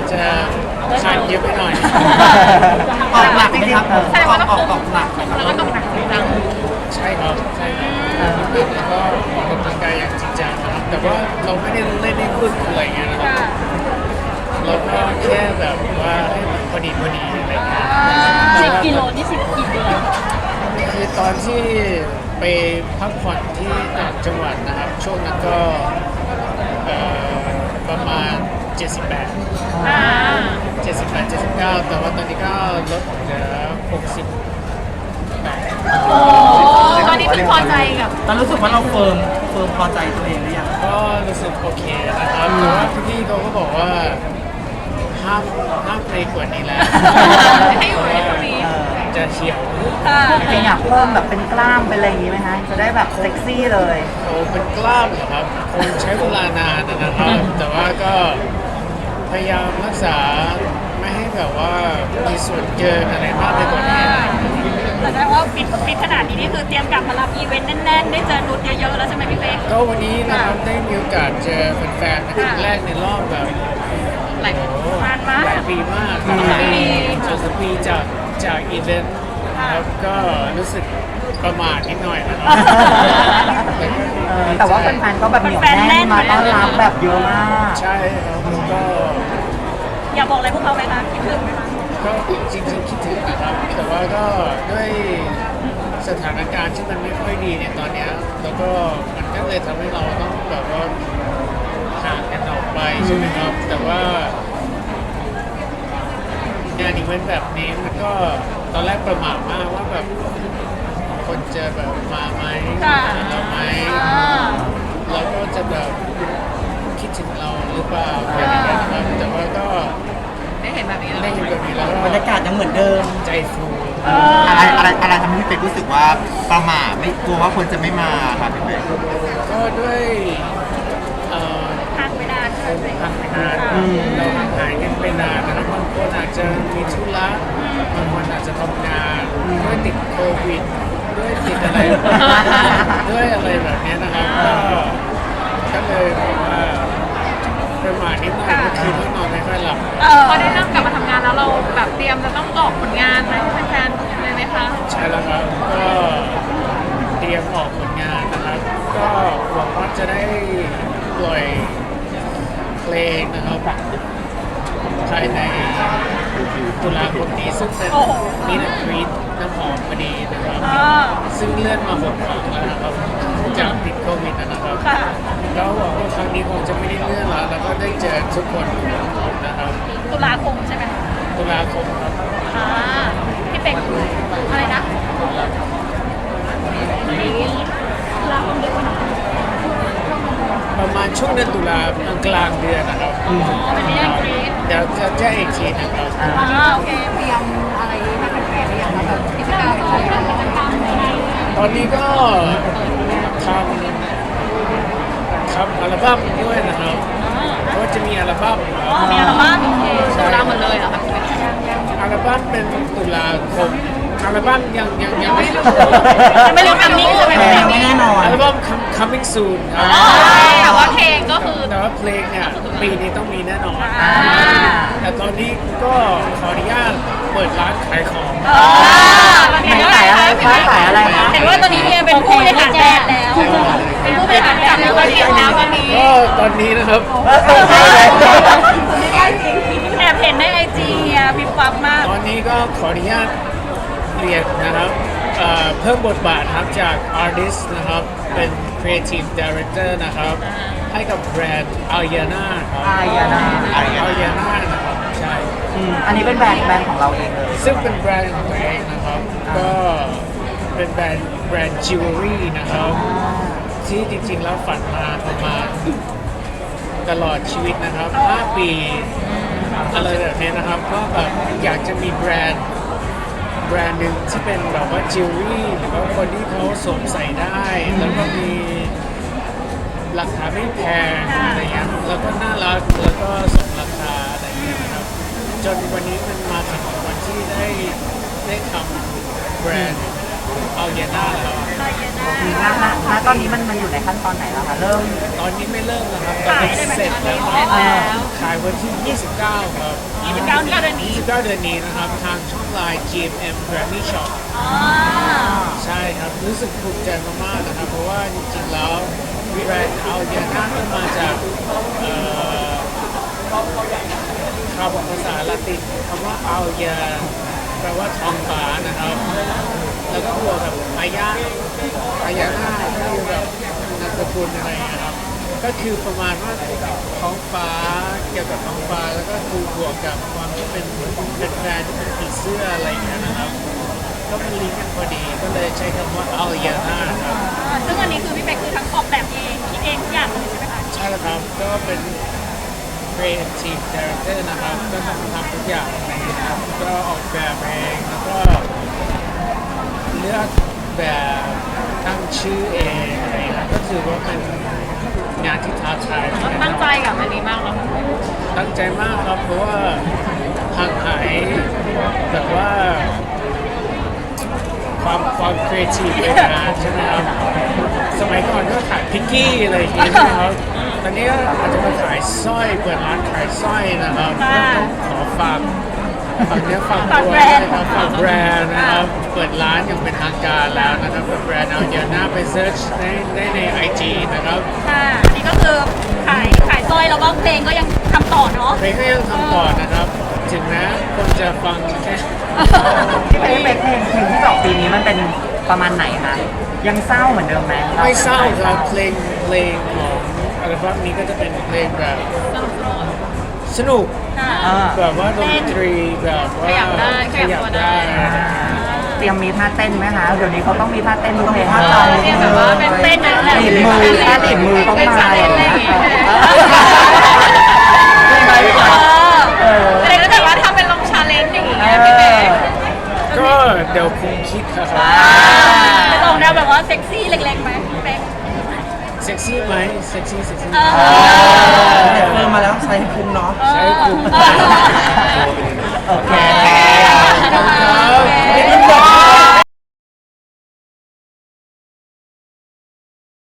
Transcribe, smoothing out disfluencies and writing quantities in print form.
จะทานเยอะไปหน่อยออกหนักไหมครับออกหนักไหมครับแล้วก็ต้องหนักจริงจังใช่ครับใช่ครับแล้วก็ออกกำลังกายอย่างจริงจังนะครับแต่ว่าเราไม่ได้เล่นให้พึ่งอะไรเงี้ยนะครับค่ะเราก็แค่แบบว่าให้มันพอดีอะไรเงี้ย 10 กิโลนี่10กี่เดือนคือตอนที่ไปพักผ่อนที่ต่างจังหวัดนะครับ ช่วงนั้นก็ประมาณ 78 อ่า 79 แต่ว่าตอนนี้ก็ลดเหลือ 60 โอ้ตอนนี้คือพอใจกับตอนรู้สึกว่าเราเฟิร์มพอใจตัวเองหรือยังก็รู้สึกโอเคนะครับแต่ว่าพี่ๆเขาก็บอกว่าห้ามเพลงกว่านี้แล้วให้อยู่ในตรงนี้จะเฉียวค่ะจริงๆอยากเพิ่มแบบเป็นกล้ามเป็นอะไรอย่างนี้ไหมคะจะได้แบบเซ็กซี่เลยโอ้เป็นกล้ามเหรอครับคงใช้เวลานานนะครับ แต่ว่าก็พยายามรักษาไม่ให้แบบว่ามีส่วนเกินอะไรมากไปกว่านี้แต่ได้ว่าฟิตขนาดนี้นี่คือเตรียมกลับมารับอีเวนต์แน่นๆ ได้เจอนุชเยอะๆ แล้วใช่ไหมพี่เป๊กก็วันนี้นะครับได้มีโอกาสเจอแฟนๆเป็นครั้งแรกในรอบแบบหลายนานมากหลายปีมากสองปี 2-3 ปีจากอีเวนต์นะครับก็รู้สึกประมาทนิดหน่อยนะครับแต่ว่าแฟนๆก็แบบเหนียวแน่นมาต้อนรับแบบเยอะมากใช่ครับแล้วก็อยากบอกอะไรพวกเขาไหมคะคิดถึงไหมคะก็จริงๆคิดถึงนะครับ แต่ว่าก็ด้วยสถานการณ์ที่มันไม่ค่อยดีเนี่ยตอนเนี้ยแล้วก็มันก็เลยทำให้เราต้องแบบว่าห่างกันออกไปใช่ไหมครับ แต่ว่างานอีเวนต์แบบนี้มันก็ตอนแรกประหม่ามากว่าแบบคนจะแบบมาไหมหาเราไหม เราก็จะแบบคิดถึงเราหรือเปล่าอะไรอย่างเงี้ยนะครับแต่ว่าก็ได้เห็นแบบนี้แล้วได้เห็นแบบนี้แล้วก็บรรยากาศยังเหมือนเดิมใจฟูอะไรทำให้พี่เป็กรู้สึกว่าประหม่าไม่กลัวว่าคนจะไม่มาครับพี่เป็กก็ด้วยเอ่อทานไปนานคงห่างนานเราห่างหายกันไปนานนะครับบางคนอาจจะมีธุระบางคนอาจจะทำงานด้วยติดโควิดด้วยติดอะไรด้วยอะไรแบบเนี้ยนะครับก็เลยแบบว่าประมาทนิดหน่อยเมื่อคืนที่นอนไม่ค่อยหลับพอได้เริ่มกลับมาทำงานแล้วเราแบบเตรียมจะต้องออกผลงานไหมให้แฟนๆเลยไหมคะใช่แล้วครับก็เตรียมออกผลงานนะครับ ก็หวังว่าจะได้ปล่อยเพลงนะครับภายในตุลาคมนี้ซึ่งเป็นมินิทรีตน้ำหอมพอดีนะครับ ซึ่งเลื่อนมา6 ครั้งแล้วนะครับจากติดโควิดนะครับค่ะแล้วหวังว่าครั้งนี้คงจะไม่ได้เลื่อนแล้วแล้วก็ได้เจอทุกคนนะครับตุลาคมใช่ไหมคะตุลาคมครับอ่าพี่เป็กอะไรนะตุลาคมเดือนวันไหนประมาณช่วงเดือนตุลากลางเดือนนะครับเป็นที่ยังกรีดเดี๋ยวจะแจ้งอีกทีนะครับโอเคเตรียมอะไรให้แฟนๆหรือยังคะแบบกิจกรรมอะไรตอนนี้ก็ทำอัลบั้มด้วยนะครับก็จะมีอัลบั้มอ๋อมีอัลบั้มโอเคตุลาหมดเลยเหรอคะอัลบั้มเป็นตุลาคมอัลบั้มยังไม่ไม่รู้ทำนิ่งใช่ไหมยังไม่แน่นอนอัลบั้ม coming soon ครับแต่ว่าเพลงก็คือแต่ว่าเพลงเนี่ยปีนี้ต้องมีแน่นอน แต่ตอนนี้ก็ขออนุญาตเปิดร้านขายของตอนนี้ก็ขายอะไรคะขายอะไรคะเห็นว่าตอนนี้เฮียเป็นผู้บริหารแบรนด์แล้ว เป็นผู้บริหารแบรนด์แล้วตอนนี้แล้วตอนนี้ก็ตอนนี้นะครับแอบเห็นในไอจีเฮียปิ๊บปั๊บมากตอนนี้ก็ขออนุญาตเรียนนะครับเพิ่มบทบาทครับจาก artist นะครับเป็น creative director นะครับให้กับแบรนด์ Ariana ครับ Ariana Ariana นะครับใช่อันนี้เป็นแบรนด์ของเราเองเลยซึ่งเป็นแบรนด์ของตัวเองนะครับ ก็เป็นแบรนด์จิวเวลรี่นะครับ ที่จริงๆแล้วฝันมาประมาณตลอดชีวิตนะครับ 5 ปีอะไรแบบนี้นะครับ ก็แบบอยากจะมีแบรนด์หนึ่งที่เป็นแบบว่าจิวเวลรี่หรือว่าคนที่เขาสวมใส่ได้ แล้วก็มีราคาไม่แพงอะไรเงี้ยแล้วก็น่ารักแล้วก็สมราคาอะไรเงี้ยนะครับ จนวันนี้มันมาถึงวันที่ได้ทำแบรนด์เอาเยน่าแล้วน่านะตอนนี้มันอยู่ในขั้นตอนไหนแล้วคะเริ่มตอนนี้ไม่เริ่มนะครับตอนขายนี้ได้ไหมเสร็จแล้วคเสร็รับจแล้วขายวันที่ 29 ครับ 29เดือนนี้ 29 เดือนนี้นะครับ ทางช่องไลน์ GMM Grammy Shop อ๋อใช่ครับ รู้สึกภูมิใจมากๆนะครับ เพราะว่าจริงๆแล้วแบรนด์เอาเยน่าก็มาจากคำภาษาละตินคำว่าเอาเยแปลว่าทองฟ้านะครับ แล้วก็บวกกับอายาน่าก็คือแบบนามสกุลอะไรอย่างเงี้ยครับ ก็คือประมาณว่าท้องฟ้าเกี่ยวกับท้องฟ้าแล้วก็คือบวกกับความที่เป็นแบรนด์ที่เป็นผีเสื้ออะไรอย่างเงี้ยนะครับ ก็มันลิงก์กันพอดีก็เลยใช้คำว่าเอาเยน่าครับซึ่งอันนี้คือพี่เป๊กคือทั้งออกแบบเองคิดเองทุกอย่างเลยใช่ไหมคะใช่แล้วครับ ก็เป็น Creative Director นะครับ ก็ต้องทำทุกอย่างนะครับก็ออกแบบเองแล้วก็เลือกแบบตั้งชื่อเองอะไรนะก็ถือว่าเป็นงานที่ท้าทายเหมือนกันตั้งใจกับอันนี้มากเหรอตั้งใจมากครับ เพราะว่าห่างหายแบบว่าความครีเอทีฟไปนานใช่ไหมครับ สมัยก่อนก็ขายพิกกี้อะไรอย่างเงี้ยใช่ไหมครับ ตอนนี้ก็อาจจะมาขายสร้อยเปิดร้านขายสร้อยนะครับก็ต้องขอฝากเนื้อฝากตัวด้วยนะครับฝากแบรนด์นะครับ เปิดร้านอย่างเป็นทางการแล้วนะครับกับแบรนด์เอาเยน่าไปเซิร์ชได้ใน IG นะครับค่ะอันนี้ก็คือขายสร้อยแล้วก็เพลงก็ยังทำต่อเนาะเพลงก็ยังทำต่อนะครับ ถึงแม้คนจะฟังแค่พี่เป็กเพลงที่บอกปีนี้มันเป็นประมาณไหนคะยังเศร้าเหมือนเดิมไหมไม่เศร้าครับเพลงของอัลบั้มนี้ก็จะเป็นเพลงแบบสนุกค่ะแบบว่าดนตรีแบบว่าขยับได้ขยับตัวได้เตรียมมีท่าเต้นไหมคะเดี๋ยวนี้เขาต้องมีท่าเต้นทุกเพลงเรียกแบบว่าเป็นเต้นนะติดมือท่าติดมือต้องมาเต้นอะไรอย่างเงี้ยไม่ไหวอะไรก็แต่ว่าทำเป็นลงชาเลนจ์อย่างเงี้ยพี่เป๊กก็เดี๋ยวคงคิดครับจะลงแนวแบบว่าเซ็กซี่เล็กๆไหมพี่เป๊กเซ็กซี่ไหมเซ็กซี่เฟิร์มมาแล้วใช้คุ้มเนาะใช้คุมโอเคขอบคุณครับ